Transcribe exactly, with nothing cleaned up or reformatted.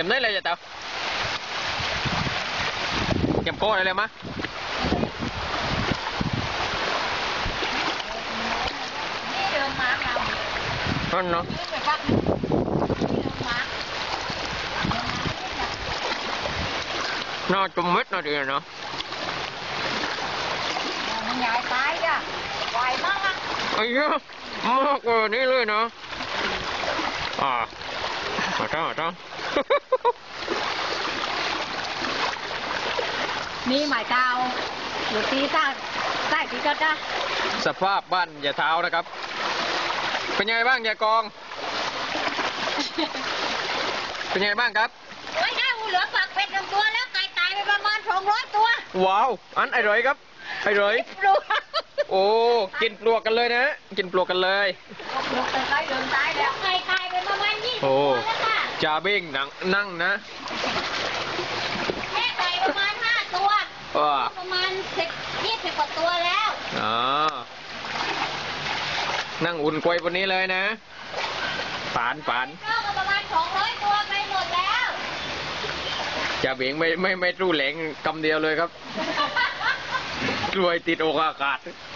มได้เลยจ้ะเต้าเก็บโก้อะไรเลยมะนี่เดินมาเรานั่นเนาะน่าจุ่มเม็ดน่าดีเนาะมันใหญ่ไปจ้ะไหวมากอ่ะไอ้เหี้ยมากกว่านี้เลยเนาะอ่ามาจ้ามาจ้ามีหมายเตาอยู่ตีซ่าใต้ตีก็ได้สภาพบ้านอย่าเท้านะครับเป็นยังไงบ้างยายกองเป็นยังไงบ้างครับโอ้ยได้หูเหลือปากเป็ดหนึ่งตัวแล้วไก่ตายไปประมาณสองร้อยตัวว้าวอันไอ้เลยครับไอ้เลยโอ้กินปลวกกันเลยนะกินปลวกกันเลยปลวกแต่ไก่เดินตายแล้วไก่ตายไปประมาณยี่สิบตัวแล้วค่ะจ่าเบ้งนั่งนั่งนะแม่ไก่ประมาณห้าตัวประมาณสิบยี่สิบกว่าตัวแล้วอ๋อนั่งอุ่นกวยบนนี้เลยนะฝานฝานก็ประมาณสองร้อยตัวไปหมดแล้วจ่าเบ้งไม่ไม่ไม่รู้แหลงกำเดียวเลยครับกลวยติดโอกาส